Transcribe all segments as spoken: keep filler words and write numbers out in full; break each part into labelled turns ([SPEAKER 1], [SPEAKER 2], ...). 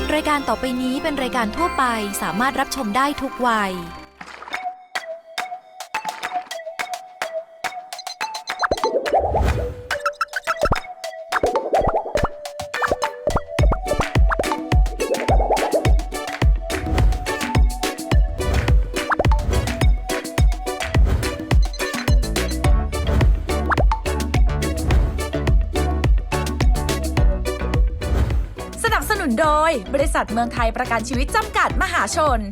[SPEAKER 1] รายการต่อไปนี้เป็นรายการทั่วไปสามารถรับชมได้ทุกวัยโดยบริษัทเมืองไทยประกันชีวิตจำกัดมหาชน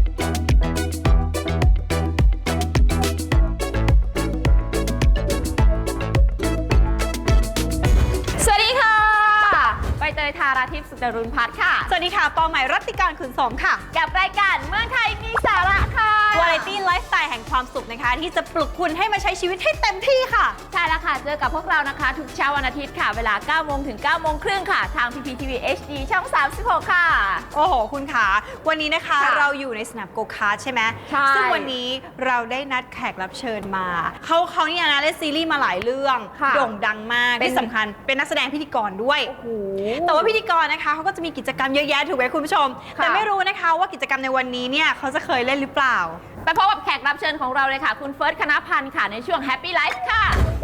[SPEAKER 2] สวัสดีค่ะใบเตยธาราทิพย์สุจรุณพัฒน์ค่ะ
[SPEAKER 3] สวัสดีค่ะปอใหม่รัตติการขุนสมค่ะ
[SPEAKER 2] กับรายการเมืองไทยมีสาระค่ะ
[SPEAKER 3] วาไรตี้ไลฟ์สไตล์แห่งความสุขนะคะที่จะปลุกคุณให้มาใช้ชีวิตให้เต็มที่ค่ะ
[SPEAKER 2] ใช่แล้วค่ะเจอกับพวกเรานะคะทุกเช้าวันอาทิตย์ค่ะเวลาเก้าโมงถึงเก้าโมงครึ่งค่ะทาง พี พี ที วี เอช ดี ช่องสามสิบหกค่ะ
[SPEAKER 3] โอ้โหคุณขาวันนี้นะคะเราอยู่ในสนามโกคาร์ทใช่ไหม
[SPEAKER 2] ใช่
[SPEAKER 3] ซึ่งวันนี้เราได้นัดแขกรับเชิญมาเขาเขาเนี่ยนะเล่นซีรีส์มาหลายเรื่องโด่งดังมากที่สำคัญเป็นนักแสดงพิธีกรด้วย
[SPEAKER 2] โอ้โห
[SPEAKER 3] แต่ว่าพิธีกรนะคะเขาก็จะมีกิจกรรมเยอะแยะถูกไหมคุณผู้ชมแต่ไม่รู้นะคะว่ากิจกรรมในวันนี้เนี่ยเขาจะเคยเล่นหรือเปล่า
[SPEAKER 2] ไปพบกับแขกรับเชิญของเราเลยค่ะคุณเฟิร์สคณพันธ์ค่ะในช่วง Happy Life ค่ะ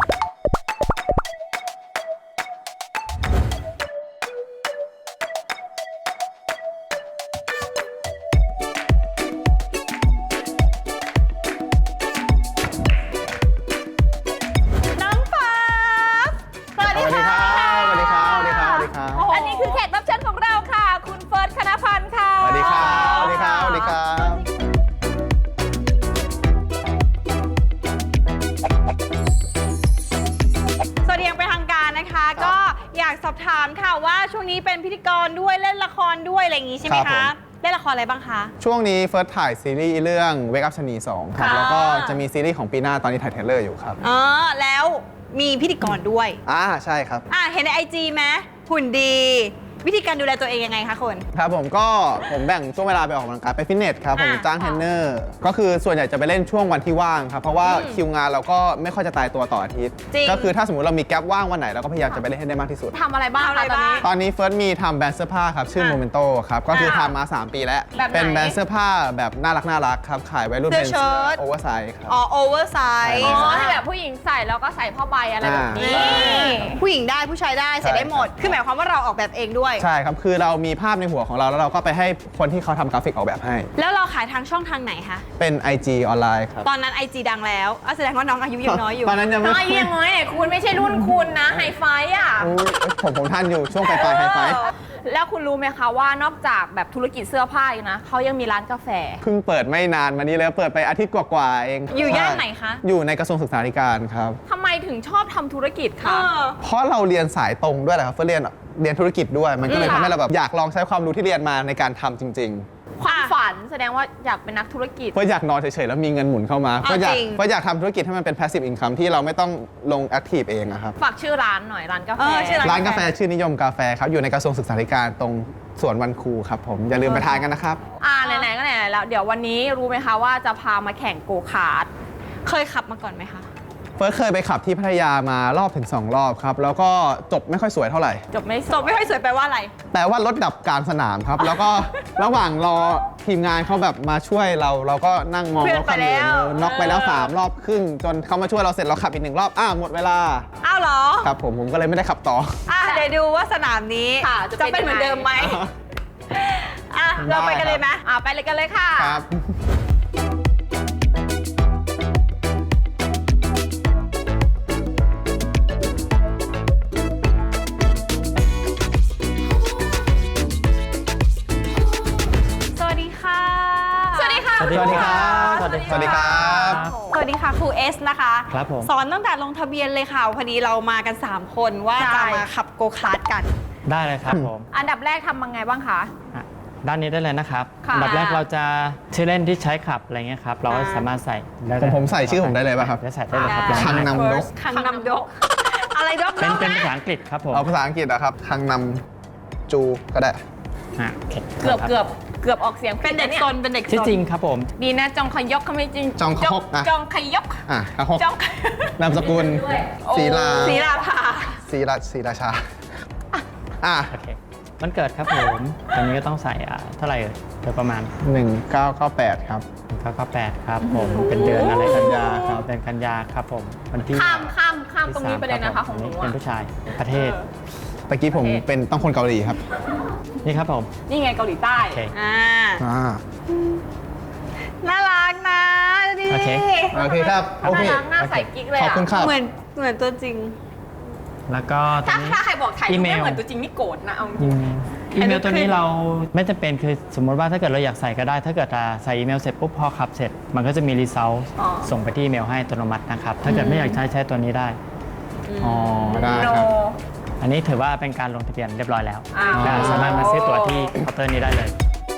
[SPEAKER 3] น้องฟ้าสวัสดีค่ะ
[SPEAKER 4] สวัสดีครับสวัสดีครับสวัสดีครับ
[SPEAKER 2] อันนี้คือแขกรับเชิญของเราค่ะคุณเฟิร์สคณพันธ์ค่ะ
[SPEAKER 4] สวัสดีครับสวัสดีครับสวัสดีครับ
[SPEAKER 3] สวัสดีอย่างเป็นทางการนะคะก็อยากสอบถามค่ะว่าช่วงนี้เป็นพิธีกรด้วยเล่นละครด้วยอะไรอย่างงี้ใช่ไหมคะเล่นละครอะไรบ้างคะ
[SPEAKER 4] ช่วงนี้เฟิร์สถ่ายซีรีส์เรื่อง Wake Up ชะนีสองครับแล้วก็จะมีซีรีส์ของปีหน้าตอนนี้ถ่ายเทรลเลอร์อยู่ครับ
[SPEAKER 3] อ๋อแล้วมีพิธีกรด้วย
[SPEAKER 4] อ่าใช่ครับ
[SPEAKER 3] อ่าเห็นในไอจีไหมหุ่นดีวิธีการดูแลตัวเองยังไงคะคุณ
[SPEAKER 4] ครับผมก็ผมแบ่งช่วงเวลาไปออกกำลังกายไปฟิตเนสครับผมจ้างเทรนเนอร์ก็คือส่วนใหญ่จะไปเล่นช่วงวันที่ว่างครับเพราะว่าคิวงานเราก็ไม่ค่อยจะตายตัวต่ออาทิตย์ก็คือถ้าสมมติเรามีแกลบว่างวันไหนเราก็พยายามจะไปเล่นให้ได้มากที่สุด
[SPEAKER 2] ทำอะไรบ้างคะตอนนี้
[SPEAKER 4] ตอนนี้เฟิร์สมีทำแบรนด์เสื้อผ้าครับชื่อโมเมนโตครับก็คือทำมาสามปีแล้วเป็นแบรนด์เสื้อผ้าแบบน่ารักน่ารักครับขายไว้รุ่นเป็นโอเวอร์ไซส์ครับ
[SPEAKER 3] อ๋อโอเวอร์ไซส์
[SPEAKER 2] อ๋อที่แบบผู้หญิงใส่แล้วก็ใส่ผ้าใบอะไรแบบนี้
[SPEAKER 3] ผู้หญิงได้ผู้ชายได้ใส่ได้หมดคือหมายความว่าเราออกแบบเองด้วย
[SPEAKER 4] ใช่ครับคือเรามีภาพในหัวของเราแล้วเราก็ไปให้คนที่เขาทำกราฟิกออกแบบให้
[SPEAKER 3] แล้วเราขายทางช่องทางไหนคะ
[SPEAKER 4] เป็น ไอ จี ออนไลน์ครับ
[SPEAKER 3] ตอนนั้น ไอ จี ดังแล้วแสดงว่าน้องอายุยังน้อยอยู่
[SPEAKER 4] ตอนนั้นยังไม่
[SPEAKER 2] น้อยยังน้อยเนี่ยคุณไม่ใช่รุ่นคุณนะไฮไฟอ่ะ
[SPEAKER 4] ผมผมท่านอยู่ช่วงปลายไฮไฟ
[SPEAKER 2] แล้วคุณรู้ไหมคะว่านอกจากแบบธุรกิจเสื้อผ้านะเขายังมีร้านกาแฟ
[SPEAKER 4] เพิ่งเปิดไม่นานมานี้แล้วเปิดไปอาทิตย์กว่าๆเอง
[SPEAKER 3] อยู่ย่านไหนคะ
[SPEAKER 4] อยู่ในกระทรวงศึกษาธิการครับ
[SPEAKER 2] ทำไมถึงชอบทำธุรกิจคะ
[SPEAKER 4] เพราะเราเรียนสายตรงด้วยแหละครับเพื่อเรียนเรียนธุรกิจด้วยมันก็เลยทำให้เราแบบอยากลองใช้ความรู้ที่เรียนมาในการทำจริง
[SPEAKER 2] ๆความฝันแสดงว่าอยากเป็นนักธุรกิจ
[SPEAKER 4] เพื่ออยากนอนเฉยๆแล้วมีเงินหมุนเข้ามาเพื่ออยากเพื่ออยากทำธุรกิจให้มันเป็น passive income ที่เราไม่ต้องลง active เองครับ
[SPEAKER 2] ฝากชื่อร้านหน่อยร้านกาแฟ
[SPEAKER 4] ร้านกาแฟชื่อนิยมกาแฟครับอยู่ในกระทรวงศึกษาธิการตรงสวนวันครูครับผมอย่าลืมไปทานกันนะครับ
[SPEAKER 2] อ่าไหนๆก็ไหนๆแล้วเดี๋ยววันนี้รู้ไหมคะว่าจะพามาแข่งโกคาร์ท
[SPEAKER 3] เคยขับมาก่อนไหมคะ
[SPEAKER 4] เฟิร์สเคยไปขับที่พัทยามารอบถึงสองรอบครับแล้วก็จบไม่ค่อยสวยเท่าไหร่
[SPEAKER 2] จบไม่
[SPEAKER 3] จบไม่ค่อยสวยแปลว่าอะไร
[SPEAKER 4] แปลว่ารถดับกลางสนามครับแล้วก็ระหว่างรอทีมงานเขาแบบมาช่วยเราเราก็นั่งมองรถคันอื่นน็อกไปแล้วสามรอบครึ่งจนเขามาช่วยเราเสร็จเราขับอีกหนึ่งรอบอ้าวหมดเวลา
[SPEAKER 3] อ้าวเหรอ
[SPEAKER 4] ครับผมผมก็เลยไม่ได้ขับต่อ
[SPEAKER 3] อ่ะเดี๋ยวดูว่าสนามนี้จะเป็นเหมือนเดิมไหมอ่ะเราไปกันเลยไหม
[SPEAKER 2] อ่ะไปเลยกันเลยค่ะ
[SPEAKER 4] ครับ
[SPEAKER 3] สวัสดีค่ะ
[SPEAKER 4] สวัสดีครับสวัสดีครับสวัสดีครับ
[SPEAKER 3] สวัสดีค่ะครูเอสนะคะ
[SPEAKER 4] ครับผม
[SPEAKER 3] สอนตั้งแต่ลงทะเบียนเลยค่ะพอดีเรามากันสามคนว่าจะมาขับโกคาร์ทกัน
[SPEAKER 5] ได้เลยครับผม
[SPEAKER 2] อันดับแรกทำยังไงบ้างคะ
[SPEAKER 5] ด้านนี้ได้เลยนะครับอันดับแรกเราจะชื่อเล่นที่ใช้ขับอะไรเงี้ยครับเราก็สามารถใส่
[SPEAKER 4] ผมผมใส่ชื่อผมได้เลยป่ะครับ
[SPEAKER 5] จะใส่ได้เลยครับ
[SPEAKER 4] คังนำดก
[SPEAKER 3] คังนำดกอะไรดก
[SPEAKER 5] เป็นเป็นภาษาอังกฤษครับผม
[SPEAKER 4] เอาภาษาอังกฤษนะครับคังนำจูก็ได้
[SPEAKER 2] เกือบเกือบเกือบออกเสียง
[SPEAKER 3] เป็นเด็กซนเป็นเด็กซน
[SPEAKER 5] จริงครับผม
[SPEAKER 2] ดีนะจองขยกเขาไม่จริง
[SPEAKER 4] จองขยก
[SPEAKER 2] จองขยก
[SPEAKER 4] อ่ะขยกนามสกุลศรีลา
[SPEAKER 3] ศรีลาภา
[SPEAKER 4] ศรีราศรีราชาอ่ะ
[SPEAKER 5] วันเกิดครับผมตอนนี้ก็ต้องใส่อ่ะเท่าไหร่เอ่ยโดยประมาณ
[SPEAKER 4] หนึ่งเก้าเก้าแปดครับ
[SPEAKER 5] หนึ่งเก้าเก้าแปดครับผมเป็นเดือนอะไร
[SPEAKER 4] กันยาครับ
[SPEAKER 5] เดือนกันยาครับผมวันที่
[SPEAKER 2] ข้ามข้ามข้ามตรงนี้
[SPEAKER 5] ที่
[SPEAKER 2] ไปเลยนะคะ
[SPEAKER 5] รับ
[SPEAKER 2] ของหนู
[SPEAKER 5] ผมเป็น
[SPEAKER 2] อะ
[SPEAKER 5] ผู้ชายประเทศ
[SPEAKER 4] ตะกี้ผมเป็นต้องคนเกาหลีครับ
[SPEAKER 5] นี่ครับผม
[SPEAKER 2] นี่ไงเกาหลีใต้
[SPEAKER 5] โอเค
[SPEAKER 3] อ่า
[SPEAKER 4] อ่า
[SPEAKER 3] น่ารักนะดูดิ
[SPEAKER 5] โอเค
[SPEAKER 4] โอเคครับ โอเค
[SPEAKER 2] น่ารักหน้าใสกิ๊กเลย
[SPEAKER 4] ขอบ
[SPEAKER 2] อะ
[SPEAKER 4] คุณครับ
[SPEAKER 3] เหมือนเหมือนตัวจริง
[SPEAKER 5] แล้วก็ตร
[SPEAKER 2] ถ้าง
[SPEAKER 5] นี้
[SPEAKER 2] ถ้าใครบอกถ่าย
[SPEAKER 5] อี
[SPEAKER 2] รูป
[SPEAKER 5] เมล
[SPEAKER 2] ไม่เหมือนตัวจริงนี่โกรธนะเอา
[SPEAKER 5] อีเมลอีเมลตัวนี้เราไม่จำเป็นคือสมมติว่าถ้าเกิดเราอยากใส่ก็ได้ ถ้าเกิดอ่าใส่อีเมลเสร็จปุ๊บพอขับเสร็จ มันก็จะมีรีเซลส่งไปที่อีเมลให้อัตโนมัตินะครับ ถ้าเกิดไม่อยากใช้ใช้ตัวนี้ได้
[SPEAKER 4] อ๋อ ได้
[SPEAKER 2] โน
[SPEAKER 4] ครับ
[SPEAKER 5] อันนี้ถือว่าเป็นการลงทะเบียนเรียบร้อยแล้ว
[SPEAKER 2] อ้าว
[SPEAKER 5] อ่าสามารถมาซื้อตั๋วที่เคาน์เตอร์นี้ได้เลย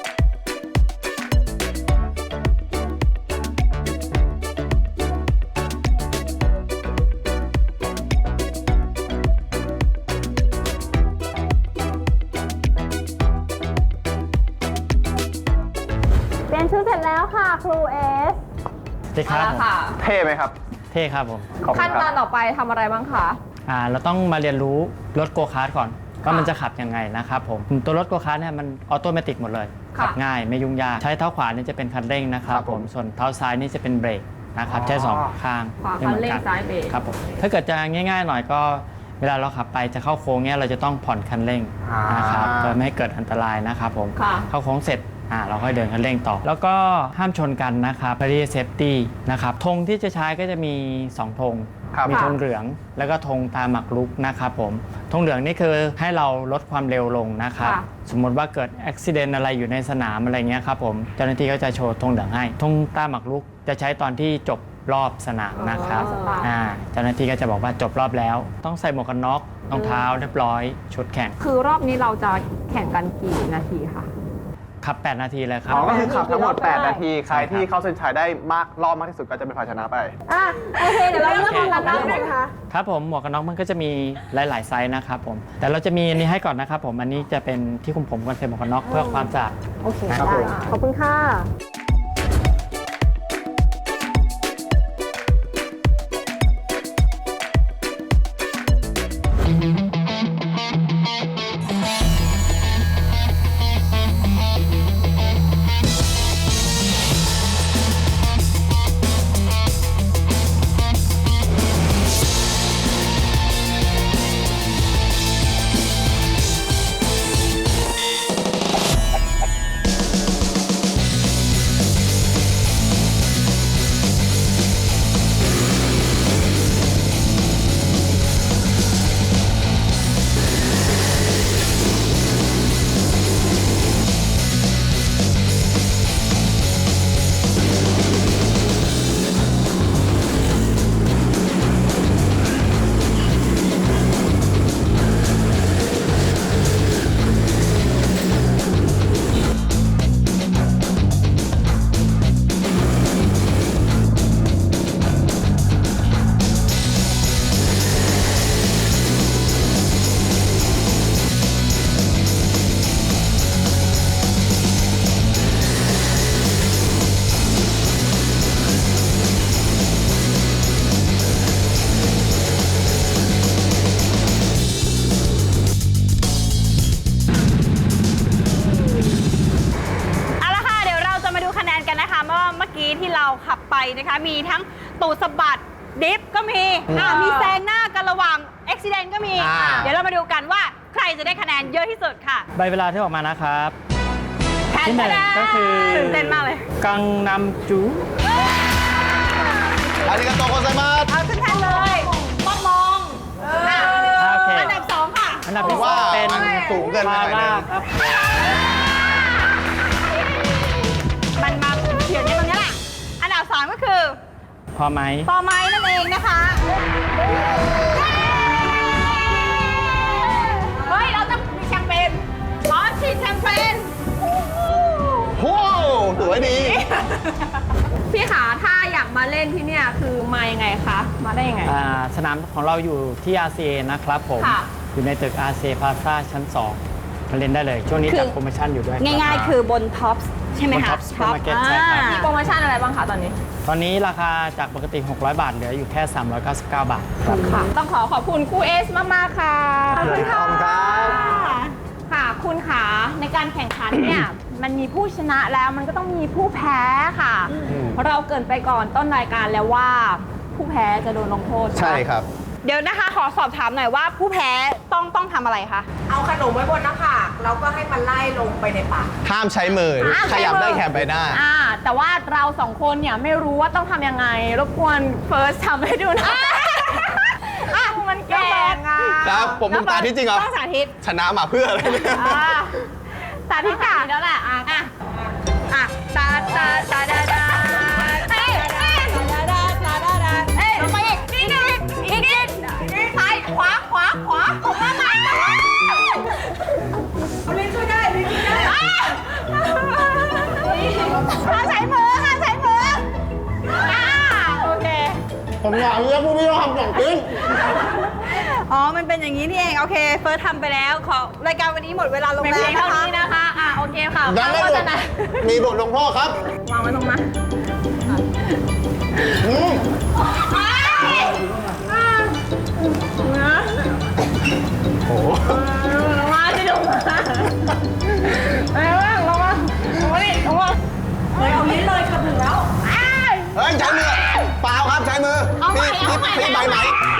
[SPEAKER 3] เปลี่ยนชุดเสร็จแล้วค่ะครูเอส
[SPEAKER 5] สวัสดีค
[SPEAKER 2] เอา
[SPEAKER 5] รับ
[SPEAKER 2] ละ
[SPEAKER 5] ผม
[SPEAKER 2] ค่ะ
[SPEAKER 4] เท่ไหมครับ
[SPEAKER 5] เท่ครับผม
[SPEAKER 4] ขอบคุ
[SPEAKER 2] ขั้น
[SPEAKER 4] ณ
[SPEAKER 2] ต
[SPEAKER 4] ค
[SPEAKER 2] อ
[SPEAKER 4] รั
[SPEAKER 2] น
[SPEAKER 4] บ
[SPEAKER 2] ต่อไปทำอะไรบ้างคะ
[SPEAKER 5] อ่าเราต้องมาเรียนรู้รถโกคาร์ทก่อนว่ามันจะขับยังไงนะครับผมตัวรถโกคาร์ทเนี่ยมันออโตเมติกหมดเลย
[SPEAKER 2] ค่ะ
[SPEAKER 5] ขับง่ายไม่ยุ่งยากใช้เท้าขวานี่จะเป็นคันเร่งนะครับ
[SPEAKER 4] ครับ
[SPEAKER 5] ผ
[SPEAKER 4] ผม ม
[SPEAKER 5] ส่วนเท้าซ้ายนี่จะเป็นเบรกนะครับใช้สองข้าง
[SPEAKER 2] ขวา
[SPEAKER 5] ไม่
[SPEAKER 2] คั
[SPEAKER 5] ห
[SPEAKER 2] น
[SPEAKER 5] มือ
[SPEAKER 2] เร่ง
[SPEAKER 5] กั
[SPEAKER 2] ซ้ายเบรก
[SPEAKER 5] ครับผมถ้าเกิดจะง่ายๆหน่อยก็เวลาเราขับไปจะเข้าโค้งเนี่ยเราจะต้องผ่อนคันเร่ง
[SPEAKER 4] อ่าน
[SPEAKER 5] นะครับเพื่อไม่ให้เกิดอันตรายนะครับผม
[SPEAKER 2] ค่ะ
[SPEAKER 5] เข้าโค้งเสร็จอ่าเราค่อยเดินคันเร่งต่อ แล้วก็ห้ามชนกันนะครับเพื่อที่จะเซฟตี้นะครับธงที่จะใช้ก็จะมีสองธง
[SPEAKER 4] ครับ
[SPEAKER 5] มีธงเหลืองแล้วก็ธงตาหมักรุกนะครับผมธงเหลืองนี่คือให้เราลดความเร็วลงนะครับ
[SPEAKER 2] ค่ะ
[SPEAKER 5] สมมติว่าเกิดอุบิเหตุอะไรอยู่ในสนามอะไรเงี้ยครับผมเจ้าหน้าที่ก็จะโชว์ธงเหลืองให้ธงตาหมักรุกจะใช้ตอนที่จบรอบสนามนะครับ
[SPEAKER 2] อ๋ออ่
[SPEAKER 5] อ่าเจ้าหน้าที่ก็จะบอกว่าจบรอบแล้ว ต้องใส่หมวกกันน็อกรองเท้าเรียบร้อยชุดแข่ง
[SPEAKER 2] คือรอบนี้เราจะแข่งกันกี่นาทีคะ
[SPEAKER 5] ขับ แปด นาทีเลยครับ
[SPEAKER 4] อ๋อ ก็คือขับทั้งหมด
[SPEAKER 2] ได้
[SPEAKER 4] แปด นาที ใคร
[SPEAKER 5] ใช่ครับ
[SPEAKER 4] ที่เข้าเส้นชัยได้มากรอบมากที่สุดก็จะเป็นฝ่ายชนะไป
[SPEAKER 3] อ่ะโอเค เดี๋ยวเราเริ่มกันแล้วนะคะ
[SPEAKER 5] ครับผมหมวกกันน็อกมันก็จะมีหลาย ๆ ไซส์นะครับผมแต่เราจะมีอันนี้ให้ก่อนนะครับผมอันนี้จะเป็นที่คุมผมกันใส่หมวกกันน็อกเพื่อความสะอาด
[SPEAKER 3] โอเค
[SPEAKER 5] ครับ
[SPEAKER 3] ได้
[SPEAKER 5] ผม
[SPEAKER 3] ขอบคุณค่ะ เอาละค่ะ เดี๋ยวเราจะมาดูคะแนนกันนะคะว่าเมื่อกี้ที่เราขับไปนะคะ มีทั้งตูดสะบัดดิฟก็มีอ่ามีแซงหน้ากันระหว่างอุบิเหตุก็มี
[SPEAKER 4] อ่า
[SPEAKER 3] เดี๋ยวเรามาดูกันว่าใครจะได้คะแนนเยอะที่สุดค่ะ
[SPEAKER 5] ใบเวลาที่ออกมานะครับ
[SPEAKER 3] แทน
[SPEAKER 5] ที่หนึ่ง
[SPEAKER 3] คะแนน
[SPEAKER 5] ก็คือ
[SPEAKER 3] ตื่นเต้นมากเลย
[SPEAKER 5] กังนำจู
[SPEAKER 4] อาริกาโตโกไซมัส
[SPEAKER 3] เอาขึ้นแทนเลยมองมองอ่ะ
[SPEAKER 5] โอเค
[SPEAKER 3] อันดับสองค่ะ
[SPEAKER 5] อันดับ
[SPEAKER 4] ผม
[SPEAKER 5] ที่สอ
[SPEAKER 4] ว่าง
[SPEAKER 5] เป็น
[SPEAKER 4] มันสูงเกินไป
[SPEAKER 5] มา
[SPEAKER 4] หน่อยนึ
[SPEAKER 5] ร่าง ครับ
[SPEAKER 3] มันมาเฉียดในตรงนี้แหละ อันดับสามก็คือ
[SPEAKER 5] พอไหม
[SPEAKER 3] ปอไม้นั่นเองนะคะ เฮ้ย เราต้องมีแชมเปญขอฉีดแชมเปญ
[SPEAKER 4] โอ้สวยดี
[SPEAKER 2] พี่ขาถ้าอยากมาเล่นที่เนี่ยคือมายังไงคะ มาได้ยังไง
[SPEAKER 5] อ่าสนามของเราอยู่ที่ อาร์ ซี เอ นะครับผม
[SPEAKER 2] ค่ะ
[SPEAKER 5] อยู่ในตึก อาร์ ซี เอ Plaza ชั้น สอง มาเล่นได้เลย ช่วงนี้
[SPEAKER 3] คือ
[SPEAKER 5] จัดโปรโมชั่นอยู่ด้วย
[SPEAKER 3] ง่ายๆ คือบนท็อปใช่ไหม
[SPEAKER 5] บน
[SPEAKER 3] คะ
[SPEAKER 5] Top Supermarket ใช่ครับ
[SPEAKER 2] มีโปรโมชั่นอะไรบ้างคะตอนนี้
[SPEAKER 5] ตอนนี้ราคาจากปกติ หกร้อย บาท เหลืออยู่แค่ สามร้อยเก้าสิบเก้า บาทครับ
[SPEAKER 2] ค่ะ ต้องขอขอบคุณครูเอสมาก ๆ ค่ะ
[SPEAKER 3] ขอบคุณค่ะ
[SPEAKER 4] ขอบคุณครับ
[SPEAKER 2] ค่ะ คุณการแข่งขันเนี่ย มันมีผู้ชนะแล้วมันก็ต้องมีผู้แพ้ค่ะ เพราะเราเกรินไปก่อนต้นรายการแล้วว่าผู้แพ้จะโดนลงโทษ
[SPEAKER 4] ใช่ครับ
[SPEAKER 3] เดี๋ยวนะคะขอสอบถามหน่อยว่าผู้แพ้ต้องต้องทำอะไรคะ
[SPEAKER 6] เอาขนมไว้บนหน้าผากแล้วก็ให้มันไล่ลงไปในปาก
[SPEAKER 4] ห้ามใช้มือ
[SPEAKER 2] ห้าม
[SPEAKER 4] ข
[SPEAKER 2] ใช้
[SPEAKER 4] ยับ
[SPEAKER 2] มือ
[SPEAKER 4] ได้แค่ใบหน้า
[SPEAKER 2] อ่าแต่ว่าเราสองคนเนี่ยไม่รู้ว่าต้องทำยังไง รบกวนเฟิร์สทำให้ดูหนะอ่ะมันแก่งอ่ะ
[SPEAKER 4] ครับ ผมเป็นตาที่จริงเหรอ
[SPEAKER 3] ต้องสาธิต
[SPEAKER 4] ชนะมาเพื่ออะไรเนี่ย
[SPEAKER 2] อ่าสาธิตค่ะแล้วแหละอ่ะอ่ะ
[SPEAKER 3] อ่ะตาตาตาดาดา
[SPEAKER 2] เอ้ยเอ้ยเอ้ยลงไปอีกอีกนิดอีกนิดซ้ายขวาขวาขวาขวามาลินช่วยได้ลินช่วยได้ห้ามใช้มือห้ามใช้มืออ่าโอเค
[SPEAKER 4] ผมอยากเรียกผู้พี่ทำสองจริง
[SPEAKER 3] อ๋อมันเป็นอย่างนี้นี่เองโอเคเฟิร์สทำไปแล้วขอรายการวันนี้หมดเวลาลง
[SPEAKER 2] เป็น
[SPEAKER 3] แล้
[SPEAKER 2] เพี
[SPEAKER 3] วย
[SPEAKER 2] งเท่า
[SPEAKER 3] นะคะ
[SPEAKER 2] นี้นะคะอ่ะโอเคค่ะ
[SPEAKER 4] ยังไม่
[SPEAKER 2] โฆ
[SPEAKER 4] หม
[SPEAKER 2] ษ
[SPEAKER 4] ด
[SPEAKER 2] ณา
[SPEAKER 4] มีบทลงโทษครับ
[SPEAKER 2] วางไว้ตรงนั้น
[SPEAKER 4] อืม โอ้โห
[SPEAKER 2] ลงมาสิลงมาเอ้ยลงมาลงมาดิลงมาเฮ้ยเอาลิ้นเลยกระถึงแล้ว
[SPEAKER 4] เฮ้ยใช้มือเปล่าครับใช้มือ
[SPEAKER 2] เอาใหม่
[SPEAKER 4] พี่
[SPEAKER 2] เอาใหม่
[SPEAKER 4] พี่ใบไหม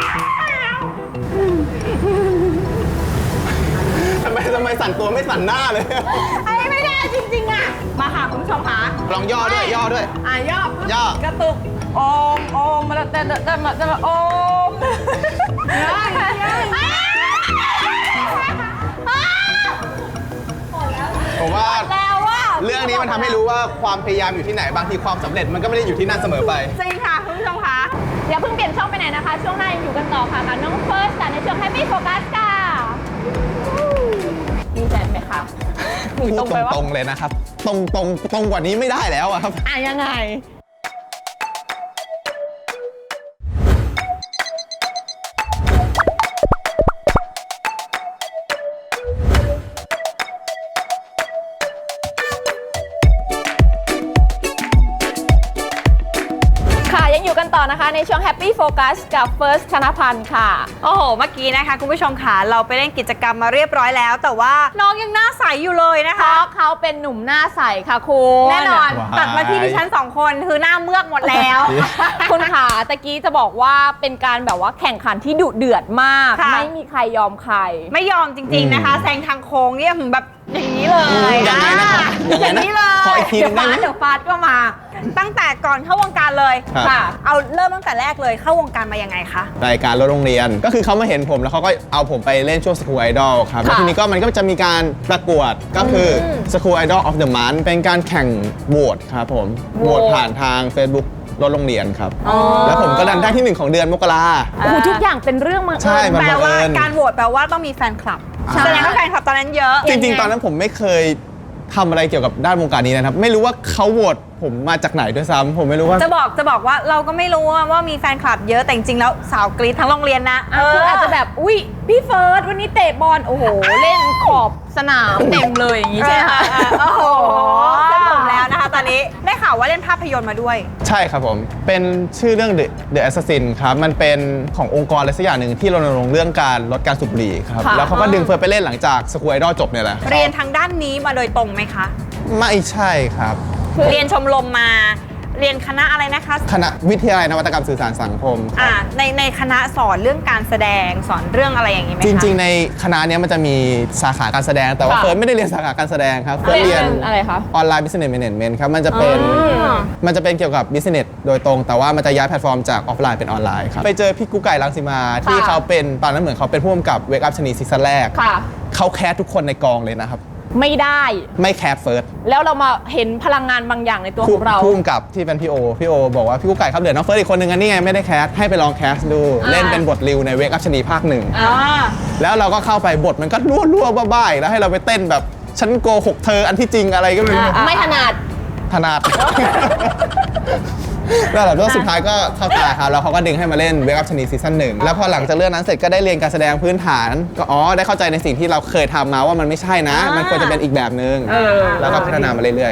[SPEAKER 4] ทำไมทำไมสั่นตัวไม่สั่นหน้าเลย
[SPEAKER 2] ไอ้ไม่ได้จริงๆอ่ะมาค่ะคุณผู้ชมค่ะ
[SPEAKER 4] ลองย่อด้วยย่อด้วย
[SPEAKER 2] อ่ะย่อ
[SPEAKER 4] ย่อ
[SPEAKER 2] กระตุกโอมโอมมาแล้วแต่แต่มาแต่มาโอมย่อย่อ
[SPEAKER 4] ผมว่า
[SPEAKER 2] แล้วว่า
[SPEAKER 4] เรื่องนี้มันทำให้รู้ว่าความพยายามอยู่ที่ไหนบางทีความสำเร็จมันก็ไม่ได้อยู่ที่นั่นเสมอไป
[SPEAKER 3] จริงค่ะคุณผู้ชมคะ
[SPEAKER 2] อย่าเพิ่งเปลี่ยนช่องไปไหนนะคะ ช่วงหน้ายังอยู่กันต่อค่ะกับน้องเฟิร์สค่ะในช่วง Happy Focus ค่ะดีใจไหมคะหนู
[SPEAKER 4] พูด
[SPEAKER 2] ตรงไปว่า
[SPEAKER 4] ตรงๆเลยนะครับ ตรงตรงตรงกว่านี้ไม่ได้แล้วอะครับ
[SPEAKER 2] อ่ะยังไง ค่ะยังอยู่กันต่อนะคะในช่วง Happy Focus กับ First ธนพันธ์ค่ะ
[SPEAKER 3] โอ้โหเมื่อกี้นะคะคุณผู้ชมค่ะเราไปเล่นกิจกรรมมาเรียบร้อยแล้ว แต่ว่าน้องยังหน้าใสอยู่เลยนะ
[SPEAKER 2] เพ
[SPEAKER 3] คะ
[SPEAKER 2] ราะเขาเป็นหนุ่มหน้าใสค่ะคุณ
[SPEAKER 3] แน่นอน
[SPEAKER 4] ว้าย
[SPEAKER 3] ตัดมาที่ดิฉันสองคนคือหน้าเมือกหมดแล้ว
[SPEAKER 2] คุณขาตะกี้จะบอกว่าเป็นการแบบว่าแข่งขันที่ดุเดือดมาก
[SPEAKER 3] ค่ะ
[SPEAKER 2] ไม่มีใครยอมใคร
[SPEAKER 3] ไม่ยอมจริงๆนะคะแซงทางโค้งเนี่ยแบบอย่างนี้เลย
[SPEAKER 4] ยังไงนะครับ
[SPEAKER 3] อ่ะ
[SPEAKER 4] ยังไงนะ
[SPEAKER 3] อย่างนี้เลย
[SPEAKER 4] ขออีกทีห
[SPEAKER 3] เดี๋
[SPEAKER 4] นึ่
[SPEAKER 3] ยว
[SPEAKER 4] งได้
[SPEAKER 3] ฟา
[SPEAKER 4] ไหม
[SPEAKER 3] ดเดี๋ยวฟาดก็มา ตั้งแต่ก่อนเข้าวงการเลย
[SPEAKER 4] ครับ
[SPEAKER 3] ค่ะ เอาเริ่มตั้งแต่แรกเลยเข้าวงการมายังไงคะ
[SPEAKER 4] รายการรถโรงเรียนก็คือเขามาเห็นผมแล้วเขาก็เอาผมไปเล่นช่วง School Idol ครับแล้วทีนี้ก็มันก็จะมีการประกวดก็คือ School Idol of the Month เป็นการแข่งโหวตครับผมโหวตผ่านทาง Facebook รถโรงเรียนครับ แล้วผมก็ดันได้ที่หนึ่งของเดือนมกรา
[SPEAKER 2] โอ้โหทุกอย่างเป็นเรื่องบัง
[SPEAKER 4] ใช่
[SPEAKER 2] เอิญ
[SPEAKER 4] มัน
[SPEAKER 3] แปล
[SPEAKER 4] บัง
[SPEAKER 3] ว่า
[SPEAKER 4] เอิญ
[SPEAKER 3] การโหวตแปลว่าต้องมีแฟนคลับ
[SPEAKER 4] ใช่
[SPEAKER 3] แสดงว่าแฟนคลับตอนนั้นเยอะ
[SPEAKER 4] จริงๆ ตอนนั้นผมไม่เคยทำอะไรเกี่ยวกับด้านวงการนี้นะครับ ไม่รู้ว่าเขาโหวตผมมาจากไหนด้วยซ้ำผมไม่รู้ว่า
[SPEAKER 3] จะบอกจะบอกว่าเราก็ไม่รู้ว่าว่ามีแฟนคลับเยอะแต่จริงๆแล้วสาวกรี๊ดทั้งโรงเรียนนะ
[SPEAKER 2] อ่ะคืออาจจะแบบ อุ๊ย พี่เฟิร์สวันนี้เตะบอล โอ้โห เล่นขอบสนามเต็มเลยอย่างนี้ใช่ไหมคะ
[SPEAKER 3] โอ้โหเส้นผมแล้วนะคะตอนนี้ได้ข่าวว่าเล่นภาพยนตร์มาด้วย
[SPEAKER 4] ใช่ครับผม เป็นชื่อเรื่อง The, The Assassin ครับ มันเป็นขององค์กรอะไรสักอย่างหนึ่งที่รณรงค์เรื่องการลดการสูบบุหรี่ครับ
[SPEAKER 2] ค่ะ
[SPEAKER 4] แล้วเขาก็ดึงเฟิร์สไปเล่นหลังจาก School Idol จบเนี่ยแหละ
[SPEAKER 3] เรียนทางด้านนี้มาโดยตรงไหมคะ
[SPEAKER 4] ไม่ใช่ครับ
[SPEAKER 3] เรียนชมรมมา เรียนคณะอะไรนะคะ
[SPEAKER 4] คณะวิทยาลัยนวัตกรรมสื่อสารสังคมครับ
[SPEAKER 3] อ่าในในคณะสอนเรื่องการแสดงสอนเรื่องอะไรอย่างนี้ไหมคะ
[SPEAKER 4] จริง ๆ ในคณะเนี้ยมันจะมีสาขาการแสดง แต่ว่า
[SPEAKER 2] ค่ะ
[SPEAKER 4] เฟิร์สไม่ได้เรียนสาขาการแสดงครับ เฟิร์สเรียน
[SPEAKER 2] เป็นอะไรคะ
[SPEAKER 4] ออนไลน์ Business Management ครับ มันจะเป็น
[SPEAKER 3] อ๋อ
[SPEAKER 4] มันจะเป็นเกี่ยวกับ Business โดยตรง แต่ว่ามันจะย้ายแพลตฟอร์มจากออฟไลน์เป็นออนไลน์ครับ ไปเจอพี่กุ๊กไก่รังสีมาที่
[SPEAKER 2] ค่ะ
[SPEAKER 4] เขาเป็นตอนนั้นเหมือนเขาเป็นผู้กำกับ Wake Up ชนีซีซั่นแรก
[SPEAKER 2] ค่ะ
[SPEAKER 4] เขาแคสทุกคนในกองเลยนะครับ
[SPEAKER 2] ไม่ได้
[SPEAKER 4] ไม่แคสเฟิร์ส
[SPEAKER 2] แล้วเรามาเห็นพลังงานบางอย่างในตัวของเรา
[SPEAKER 4] ผู้กำกับที่เป็นพี่โอ พี่โอบอกว่าพี่กุ๊กไก่ครับเดี๋ยวน้องเฟิร์สอีกคนนึงอันนี้ไงไม่ได้แคสให้ไปลองแคสดู
[SPEAKER 2] อ่า
[SPEAKER 4] เล่นเป็นบทริวใน Wake Up ชนีภาคหนึ่ง
[SPEAKER 2] อ่า
[SPEAKER 4] แล้วเราก็เข้าไปบทมันก็รั่วรั่วๆบ้าๆอีกแล้วให้เราไปเต้นแบบฉันโกหกเธออันที่จริงอะไรก็ไม่รู้
[SPEAKER 2] ไม่ถนัด
[SPEAKER 4] ถนัด แล้วหลังจากสุดท้ายก็เข้าตาครับแล้วเขาก็ดึงให้มาเล่น Wake Up ชนีซีซั่นหนึ่งแล้วพอหลังจากเรื่องนั้นเสร็จก็ได้เรียนการแสดงพื้นฐานก็อ๋อได้เข้าใจในสิ่งที่เราเคยทำมาว่ามันไม่ใช่นะ มันควรจะเป็นอีกแบบนึง
[SPEAKER 2] เออ
[SPEAKER 4] แล้วก็พัฒนามาเรื่อยๆครับ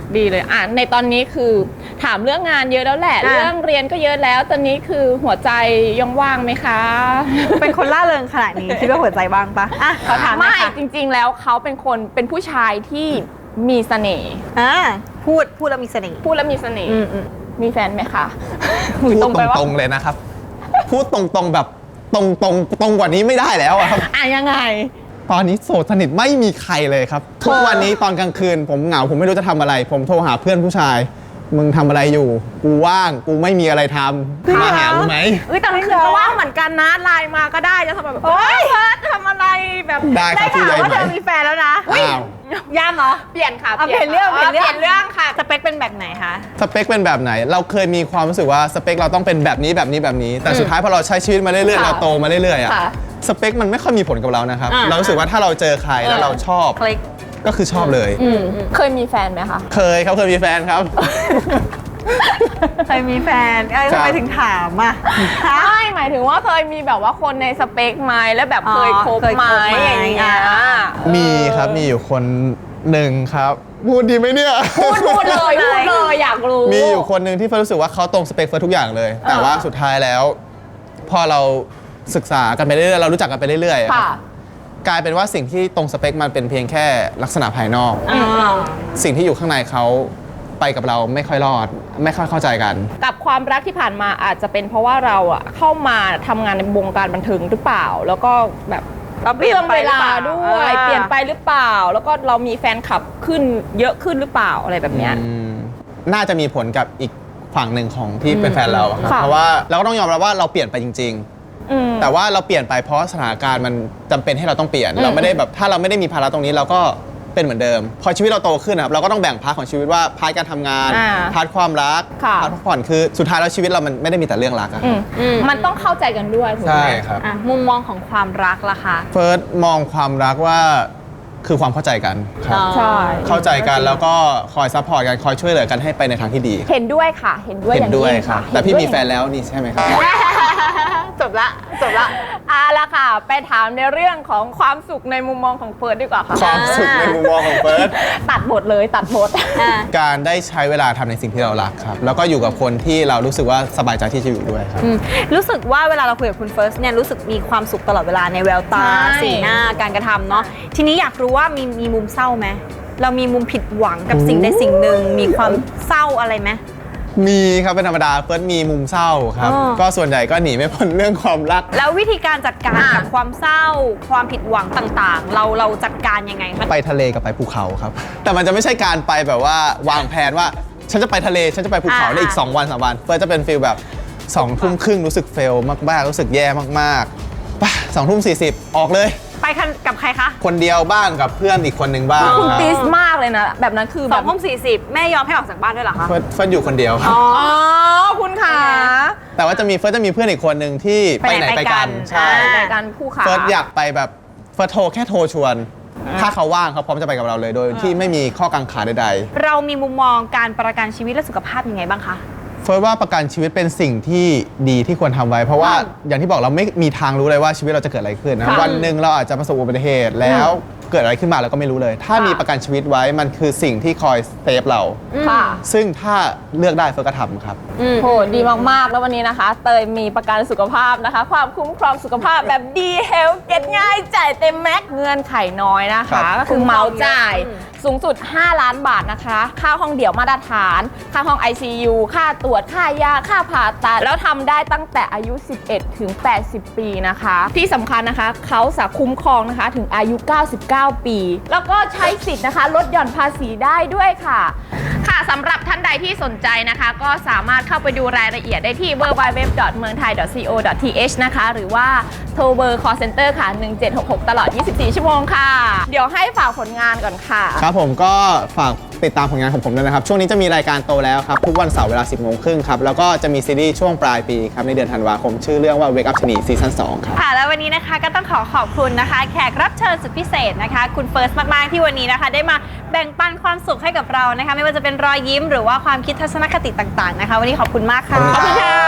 [SPEAKER 2] ดีเลยอ่ะในตอนนี้คือถามเรื่องงานเยอะแล้วแหละ
[SPEAKER 3] อ่ะ
[SPEAKER 2] เรื่องเรียนก็เยอะแล้ว ตอนนี้คือหัวใจยังว่างไหมคะ
[SPEAKER 3] เป็นคนล่าเริงขนาดนี้คิดว่าหัวใจบ้างปะอ่ะขอถามหน่
[SPEAKER 2] ไม่
[SPEAKER 3] อยค่ะ
[SPEAKER 2] จริง ๆ แล้วเขาเป็นคนเป็นผู้ชายที่มีเสน่ห์
[SPEAKER 3] อ่าพูดพูดแล้วมีเสน่ห์
[SPEAKER 2] พูดแล้วมีเสน่ห์
[SPEAKER 3] อืมอืม
[SPEAKER 2] มีแฟนไหมคะ
[SPEAKER 4] พูด
[SPEAKER 2] ตรงไปว่า
[SPEAKER 4] ตรงๆเลยนะครับ พูดตรงๆแบบตรงๆตรงกว่านี้ไม่ได้แล้วอะครับ
[SPEAKER 2] อ่ะยังไง
[SPEAKER 4] ตอนนี้โสดสนิทไม่มีใครเลยครับ ทุกวันนี้ตอนกลางคืน ผมเหงาผมไม่รู้จะทำอะไร ผมโทรหาเพื่อนผู้ชาย มึงทำอะไรอยู่ กูว่างกูไม่มีอะไรทำมาหากูไหม
[SPEAKER 2] เอ้ยแต่ไม่คือก็ว่างเหมือนกันนะไลน์มาก็ได้จะทำแบบเฮ้ยเพิร์ททำอะไรแบบ
[SPEAKER 4] ได้ครับพี่ใหญ่
[SPEAKER 3] ว่า
[SPEAKER 4] ไหม
[SPEAKER 3] เธอมีแฟนแล้วนะ
[SPEAKER 4] อ้าว
[SPEAKER 3] ย่ามเหรอ
[SPEAKER 2] เปลี่ยนค่ะ
[SPEAKER 3] เอาเปลี่ยนเรื่อง
[SPEAKER 2] เปลี่ยนเรื่อง
[SPEAKER 3] เปลี่ยนเรื่องค่ะสเปคเป็นแบบไหนคะ
[SPEAKER 4] สเปคเป็นแบบไหน เราเคยมีความรู้สึกว่าสเปคเราต้องเป็นแบบนี้แบบนี้แบบนี้ แต่สุดท้ายพอเราใช้ชีวิตมาเรื่อยๆ
[SPEAKER 2] ค่ะ
[SPEAKER 4] เราโตมาเรื่อยๆอะ
[SPEAKER 2] ค่ะ
[SPEAKER 4] สเปคมันไม่ค่อยมีผลกับเรานะครับ
[SPEAKER 3] อ่า
[SPEAKER 4] เรารู้สึกว่าถ้าเราเจอใครแล้วเราชอบ
[SPEAKER 3] คลิก
[SPEAKER 4] ก็คือชอบเลย
[SPEAKER 2] อืมเคยมีแฟนไหมคะ
[SPEAKER 4] เคยครับเคยมีแฟนครับ
[SPEAKER 3] เคยมีแฟนเอ้ย
[SPEAKER 4] ครั
[SPEAKER 3] ทำ
[SPEAKER 4] บ
[SPEAKER 3] ไมถึงถามอ่ะฮะ
[SPEAKER 2] ไม่หมายถึงว่าเคยมีแบบว่าคนในสเปคไหมแล้วแบบเคย
[SPEAKER 3] อ๋อ
[SPEAKER 2] คบ
[SPEAKER 3] เคย
[SPEAKER 2] ไหม
[SPEAKER 3] คบไหม
[SPEAKER 2] อย่างเงี้ย
[SPEAKER 3] อ่า
[SPEAKER 4] มีครับมีอยู่คนหนึ่งครับพูดดีไหมเนี่ย
[SPEAKER 2] พูดพูดเลยพูดเลยอยากรู้
[SPEAKER 4] มีอยู่คนหนึ่งที่เฟิร์นรู้สึกว่าเขาตรงสเปคเฟิร์นทุกอย่างเลย แต่ว่าสุดท้ายแล้ว พอเราศึกษากันไปเรื่อยๆเรารู้จักกันไปเรื่อยๆ
[SPEAKER 2] ค่ะ
[SPEAKER 4] กลายเป็นว่าสิ่งที่ตรงสเปคมันเป็นเพียงแค่ลักษณะภายนอก
[SPEAKER 3] อ่า
[SPEAKER 4] สิ่งที่อยู่ข้างในเขาไปกับเราไม่ค่อยรอด ไม่ค่อยเข้าใจกัน
[SPEAKER 2] กับความรักที่ผ่านมาอาจจะเป็นเพราะว่าเราอะเข้ามาทำงานในวงการบันเทิงหรือเปล่า แล้วก็แบบ
[SPEAKER 3] เราเปลี่ยน
[SPEAKER 2] รื่อง
[SPEAKER 3] ไป
[SPEAKER 2] เว
[SPEAKER 3] หรือ
[SPEAKER 2] ลา
[SPEAKER 3] เปล่า
[SPEAKER 2] ด้วย
[SPEAKER 3] อ่า
[SPEAKER 2] เปลี่ยนไปหรือเปล่า แล้วก็เรามีแฟนคลับขึ้นเยอะขึ้นหรือเปล่าอะไรแบบเนี้ย
[SPEAKER 4] อืมน่าจะมีผลกับอีกฝั่งหนึ่งของที่เป็นแฟนเราครับ
[SPEAKER 2] ค่ะ
[SPEAKER 4] เพราะว่าเราก็ต้องยอมรับว่าเราเปลี่ยนไปจริง
[SPEAKER 2] อืม
[SPEAKER 4] ๆ แต่ว่าเราเปลี่ยนไปเพราะสถานการณ์มันจำเป็นให้เราต้องเปลี่ยน
[SPEAKER 2] อืม
[SPEAKER 4] เราไม่ได้แบบถ้าเราไม่ได้มีภาระตรงนี้เราก็เป็นเหมือนเดิม พอชีวิตเราโตขึ้นนะครับเราก็ต้องแบ่งพาร์ทของชีวิตว่าพาร์ทการทำงาน
[SPEAKER 2] อ่า
[SPEAKER 4] พาร์ทความรัก
[SPEAKER 2] ค่ะ
[SPEAKER 4] พาร์ทพักผ่อนคือสุดท้ายแล้วชีวิตเรามันไม่ได้มีแต่เรื่องรักอะค
[SPEAKER 2] อื
[SPEAKER 4] รับ
[SPEAKER 2] ม
[SPEAKER 3] อืม
[SPEAKER 2] มันต้องเข้าใจกันด้วยถูกไหม
[SPEAKER 4] ใช่ครับ
[SPEAKER 3] อ่ะมุมมองของความรักล่ะคะ
[SPEAKER 4] เฟิร์สมองความรักว่าคือความเข้าใจกันครับ
[SPEAKER 3] อ๋อ
[SPEAKER 2] ใช่
[SPEAKER 4] เข้าใจกันแล้วก็คอยซัพพอร์ตกันคอยช่วยเหลือกันให้ไปในทางที่ดี
[SPEAKER 2] เห็นด้วยค่ะ เห็นด้วยอ
[SPEAKER 4] เห็น
[SPEAKER 2] ย่าง
[SPEAKER 4] ด้วย
[SPEAKER 2] ยิ่ง
[SPEAKER 4] ครั
[SPEAKER 2] ค่ะ
[SPEAKER 4] บแต่พี่มีแฟน
[SPEAKER 2] เห็นด้วย
[SPEAKER 4] แล้วนี่ใช่ไหมครับ
[SPEAKER 3] จบละจบละ
[SPEAKER 2] เอาละค่ะ ไปถามในเรื่องของความสุขในมุมมองของเฟิร์สดีกว่าค่ะ
[SPEAKER 4] ความสุขในมุมมองของเฟิร์ส
[SPEAKER 2] ตัดบทเลยตัดบท
[SPEAKER 4] การได้ใช้เวลาทำในสิ่งที่เรารักครับ แล้วก็อยู่กับคนที่เรารู้สึกว่าสบายใจที่จะอยู่ด้วยครับ
[SPEAKER 3] อืมรู้สึกว่าเวลาเราคุยกับคุณเฟิร์สเนี่ยรู้สึกมีความสุขตลอดเวลาในแววตา
[SPEAKER 2] ใช่
[SPEAKER 3] สีหน้าการกระทำเนาะทีนี้อยากรู้ว่ามีมีมุมเศร้าไหมเรามีมุมผิดหวังกับสิ่งใดสิ่งหนึ่งมีความเศร้าอะไรไหม
[SPEAKER 4] มีครับเป็นธรรมดาเฟิร์สมีมุมเศร้าครับ
[SPEAKER 3] อ๋อ
[SPEAKER 4] ก็ส่วนใหญ่ก็หนีไม่พ้นเรื่องความรัก
[SPEAKER 3] แล้ววิธีการจัดการกับความเศร้า ความผิดหวังต่างๆ เราเราจัดการยังไงคะ
[SPEAKER 4] ไปทะเลกับไปภูเขาครับ แต่มันจะไม่ใช่การไปแบบว่าวางแผนว่า ฉันจะไปทะเลฉันจะไปภูเขา
[SPEAKER 3] อ่า
[SPEAKER 4] ในอีก สอง วันสามวันเฟิร์สจะเป็นฟีลแบบสองทุ่มครึ่งรู้สึกเฟลมากๆรู้สึกแย่มากๆไปสองทุ่มสี่สิบออกเลย
[SPEAKER 3] ไปคันกับใครคะ
[SPEAKER 4] คนเดียวบ้างกับเพื่อนอีกคนหนึ่งบ้าง
[SPEAKER 2] คุณ
[SPEAKER 4] ครับ
[SPEAKER 2] ติสมากเลยนะ แบบนั้นคือ
[SPEAKER 3] ส
[SPEAKER 2] แบ
[SPEAKER 3] อบ งทุ่มสี่สิบแม่ยอมให้ออกจากบ้านด้วยเหรอคะ
[SPEAKER 4] เฟิร์สเฟิร์สอยู่คนเดียวครับ
[SPEAKER 2] อ๋อ คุณขา
[SPEAKER 4] แต่ว่าจะมีเฟิร์สจะมีเพื่อนอีกคนหนึ่งที่ไปไหนไปกันใช่
[SPEAKER 2] ในการคู่ขา
[SPEAKER 4] เฟิร์สอยากไปแบบเฟิร์สโทรแค่โทรชวน ถ้าเขาว่างเขาพร้อมจะไปกับเราเลย โดยที่ไม่มีข้อกังขาใด
[SPEAKER 3] เรามีมุมมองการประกันชีวิตและสุขภาพยังไงบ้างคะ
[SPEAKER 4] ๆเฟิร์สว่าประกันชีวิตเป็นสิ่งที่ดีที่ควรทำไว้ เพราะว่าอย่างที่บอกเราไม่มีทางรู้เลยว่าชีวิตเราจะเกิดอะไรขึ้นนะ
[SPEAKER 2] ค่ะ
[SPEAKER 4] วันหนึ่งเราอาจจะประสบอุบัติเหตุแล้วเกิดอะไรขึ้นมาเราก็ไม่รู้เลย ถ้ามีประกันชีวิตไว้มันคือสิ่งที่คอยเซฟเรา
[SPEAKER 2] ค่ะ
[SPEAKER 4] ซึ่งถ้าเลือกได้เฟิร์สก็ทำครับ
[SPEAKER 2] โหดีมาก ๆ แล้ววันนี้นะคะ เตยมีประกันสุขภาพนะคะ ความคุ้มครองสุขภาพแบบดีเฮลเก็ตง่ายจ่ายเต็มแม็กเงื่อนไขน้อยนะ
[SPEAKER 4] ครั
[SPEAKER 2] คะ
[SPEAKER 4] บ
[SPEAKER 2] ก็คือเหมาจ่ายสูงสุด ห้า ล้านบาทนะคะ ค่าห้องเดี่ยวมาตรฐาน ค่าห้อง ไอ ซี ยู ค่าตรวจค่ายาค่าผ่าตัด แล้วทำได้ตั้งแต่อายุ สิบเอ็ด ถึง แปดสิบ ปีนะคะ ที่สำคัญนะคะเขาสาคุ้มครองนะคะถึงอายุ เก้าสิบเก้า ปี แล้วก็ใช้สิทธิ์นะคะลดหย่อนภาษีได้ด้วยค่ะ ค่ะสำหรับท่านใดที่สนใจนะคะ ก็สามารถเข้าไปดูรายละเอียดได้ที่ ดับเบิลยู ดับเบิลยู ดับเบิลยู ดอท เมืองไทย ดอท ซี โอ ดอท ที เอช นะคะ หรือว่าโทรเบอร์ call center ค่ะ หนึ่งเจ็ดหกหก ตลอด ยี่สิบสี่ ชั่วโมงค่ะ เดี๋ยวให้ฝากผลงานก่อนค่ะ
[SPEAKER 4] ครับผมก็ฝากติดตามผลงานของผมด้วยนะครับ ช่วงนี้จะมีรายการโตแล้วครับ ทุกวันเสาร์เวลา สิบโมงครึ่งครับ แล้วก็จะมีซีรีส์ช่วงปลายปีครับ ในเดือนธันวาคม ชื่อเรื่องว่า Wake Up ชะนีซีซั่นสองครับ
[SPEAKER 3] ค่ะแล้ววันนี้นะคะก็ต้องขอขอบคุณนะคะ แขกรับเชิญสุดพิเศษนะคะ คุณเฟิร์สมากๆที่วันนี้นะคะ ได้มาแบ่งปันความสุขให้กับเรานะคะ ไม่ว่าจะเป็นรอยยิ้มหรือว่าความคิดทัศนคติต่างๆนะคะ วันนี้ขอบคุณมากค่ะ
[SPEAKER 4] ขอบคุณครับ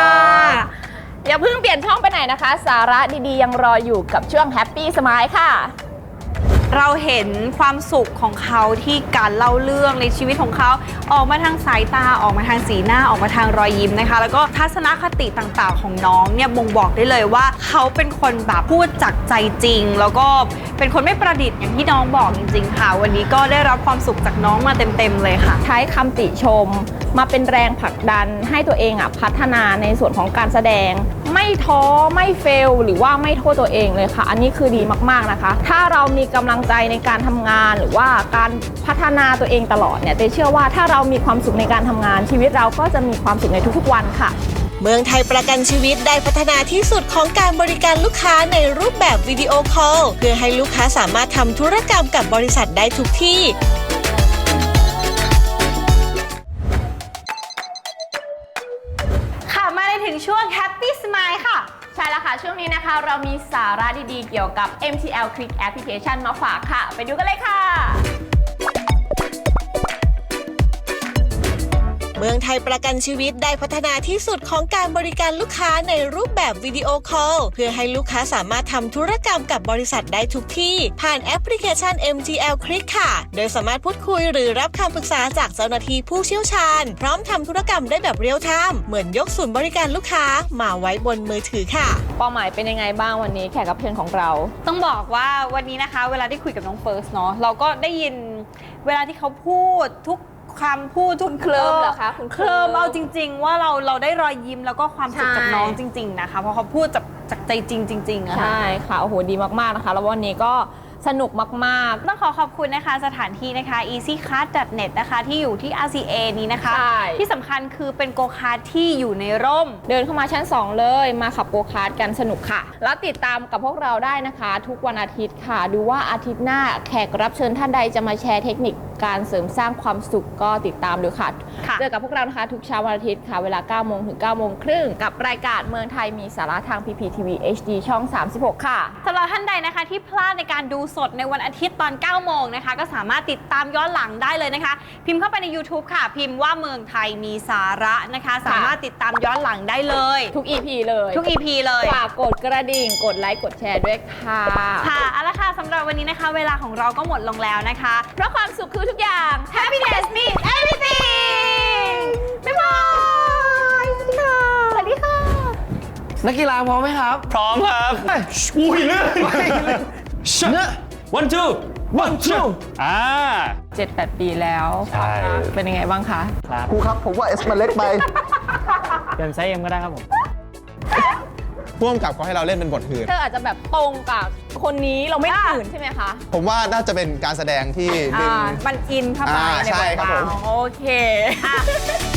[SPEAKER 2] อย่าเพิ่งเปลี่ยนช่องไปไหนนะคะ สาระดีๆ ยังรออยู่กับช่วง Happy Smile ค่ะ
[SPEAKER 3] เราเห็นความสุขของเขาที่การเล่าเรื่องในชีวิตของเขาออกมาทางสายตาออกมาทางสีหน้าออกมาทางรอยยิ้มนะคะแล้วก็ทัศนคติต่างๆของน้องเนี่ยบ่งบอกได้เลยว่าเขาเป็นคนแบบพูดจากใจจริงแล้วก็เป็นคนไม่ประดิษฐ์อย่างที่น้องบอกจริงๆค่ะวันนี้ก็ได้รับความสุขจากน้องมาเต็มๆเลยค่ะ
[SPEAKER 2] ใช้คำติชมมาเป็นแรงผลักดันให้ตัวเองอ่ะพัฒนาในส่วนของการแสดงไม่ท้อไม่เฟลหรือว่าไม่โทษตัวเองเลยค่ะอันนี้คือดีมากๆนะคะถ้าเรามีกำลังใจในการทำงานหรือว่าการพัฒนาตัวเองตลอดเนี่ยเต้เชื่อว่าถ้าเรามีความสุขในการทำงานชีวิตเราก็จะมีความสุขในทุกๆวันค่ะ
[SPEAKER 7] เมืองไทยประกันชีวิตได้พัฒนาที่สุดของการบริการลูกค้าในรูปแบบวิดีโอคอลเพื่อให้ลูกค้าสามารถทำธุรกรรมกับบริษัทได้ทุกที่
[SPEAKER 3] ค่ะมาในถึงช่วง Happy Smile ค่ะ
[SPEAKER 2] ใช่แล้วค่ะช่วงนี้นะคะเรามีสาระดีๆเกี่ยวกับ เอ็ม ที แอล Click Application มาฝากค่ะไปดูกันเลยค่ะ
[SPEAKER 7] เมืองไทยประกันชีวิตได้พัฒนาที่สุดของการบริการลูกค้าในรูปแบบวิดีโอคอลเพื่อให้ลูกค้าสามารถทำธุรกรรมกับบริษัทได้ทุกที่ผ่านแอปพลิเคชัน เอ็ม ที แอล Click ค่ะโดยสามารถพูดคุยหรือรับคำปรึกษาจากเจ้าหน้าที่ผู้เชี่ยวชาญพร้อมทำธุรกรรมได้แบบเรียลไทม์เหมือนยกศูนย์บริการลูกค้ามาไว้บนมือถือค่ะ
[SPEAKER 2] เป้าหมายเป็นยังไงบ้างวันนี้แขกรับเชิญของเรา
[SPEAKER 3] ต้องบอกว่าวันนี้นะคะเวลาได้คุยกับน้องเฟิร์สเนาะเราก็ได้ยินเวลาที่เขาพูดทุกคำพูดทุก
[SPEAKER 2] เคลิ้มเหรอคะคุณ
[SPEAKER 3] เคลิ้มเอาจริงๆว่าเราเราได้รอยยิ้มแล้วก็ความสุขจากน้องจริงๆนะคะเพราะเขาพูดจากจากใจจริงจริงๆอะค่ะ
[SPEAKER 2] ใช่ค่ะโอ้โหดีมากๆนะคะแล้ววันนี้ก็สนุกมากๆ
[SPEAKER 3] ต้องขอขอบคุณนะคะสถานที่นะคะ อีซี่คาร์ท ดอท เน็ต นะคะที่อยู่ที่ อาร์ ซี เอ นี้นะคะ
[SPEAKER 2] ใช่
[SPEAKER 3] ที่สำคัญคือเป็นโกคาร์ทที่อยู่ในร่ม
[SPEAKER 2] เดินเข้ามาชั้นสองเลยมาขับโกคาร์ทกันสนุกค่ะแล้วติดตามกับพวกเราได้นะคะทุกวันอาทิตย์ค่ะดูว่าอาทิตย์หน้าแขกรับเชิญท่านใดจะมาแชร์เทคนิคการเสริมสร้างความสุขก็ติดตามดูค่ะเจอกับพวกเรานะคะทุกเช้าวันอาทิตย์ค่ะเวลา เก้าโมง ถึง เก้าโมงครึ่งกับรายการเมืองไทยมีสาระทาง พี พี ที วี เอช ดี ช่อง สามสิบหก ค่ะ
[SPEAKER 3] สำหรับท่านใดนะคะที่พลาดในการดูสดในวันอาทิตย์ตอน เก้าโมงนะคะก็สามารถติดตามย้อนหลังได้เลยนะคะพิมพ์เข้าไปใน YouTube ค่ะพิมพ์ว่าเมืองไทยมีสาระนะคะสามารถติดตามย้อนหลังได้เลย
[SPEAKER 2] ทุก อี พี เลย
[SPEAKER 3] ทุก อี พี เลย
[SPEAKER 2] ฝากกดกระดิ่งกดไลค์กดแชร์ด้วยค่ะ
[SPEAKER 3] ค่ะเอาละค่ะสำหรับวันนี้นะคะเวลาของเราก็หมดลงแล้วนะคะ
[SPEAKER 2] เพราะความสุขคือทุกอย่าง
[SPEAKER 3] Happiness means everything บ๊ายบายสวัสดีค่ะสวัสดีค่ะ
[SPEAKER 8] นักกีฬาพร้อมไหมครับ
[SPEAKER 5] พร้อมครับ
[SPEAKER 8] อุ้ยเลื่อนเนอะ
[SPEAKER 5] one two one two อ่า
[SPEAKER 2] เจ็ดแปด ปีแล้ว
[SPEAKER 5] ใช่
[SPEAKER 2] เป็นยังไงบ้างคะครับ
[SPEAKER 8] ครูครับผมว่าเอสมันเล็กไป
[SPEAKER 5] เปลี่ยนไซส์เอ็มก็ได้ครับผม
[SPEAKER 4] พ่วงกับเขาให้เราเล่นเป็นบทอื่น
[SPEAKER 2] เธออาจจะแบบตรงกับคนนี้เราไม่ตื่นใช่ไหมคะ
[SPEAKER 4] ผมว่าน่าจะเป็นการแสดงที่ดึง
[SPEAKER 3] มันอินเข้าไป
[SPEAKER 4] อ่า
[SPEAKER 3] ใน
[SPEAKER 4] ใช่
[SPEAKER 3] บท
[SPEAKER 4] ครับผม
[SPEAKER 2] โอเค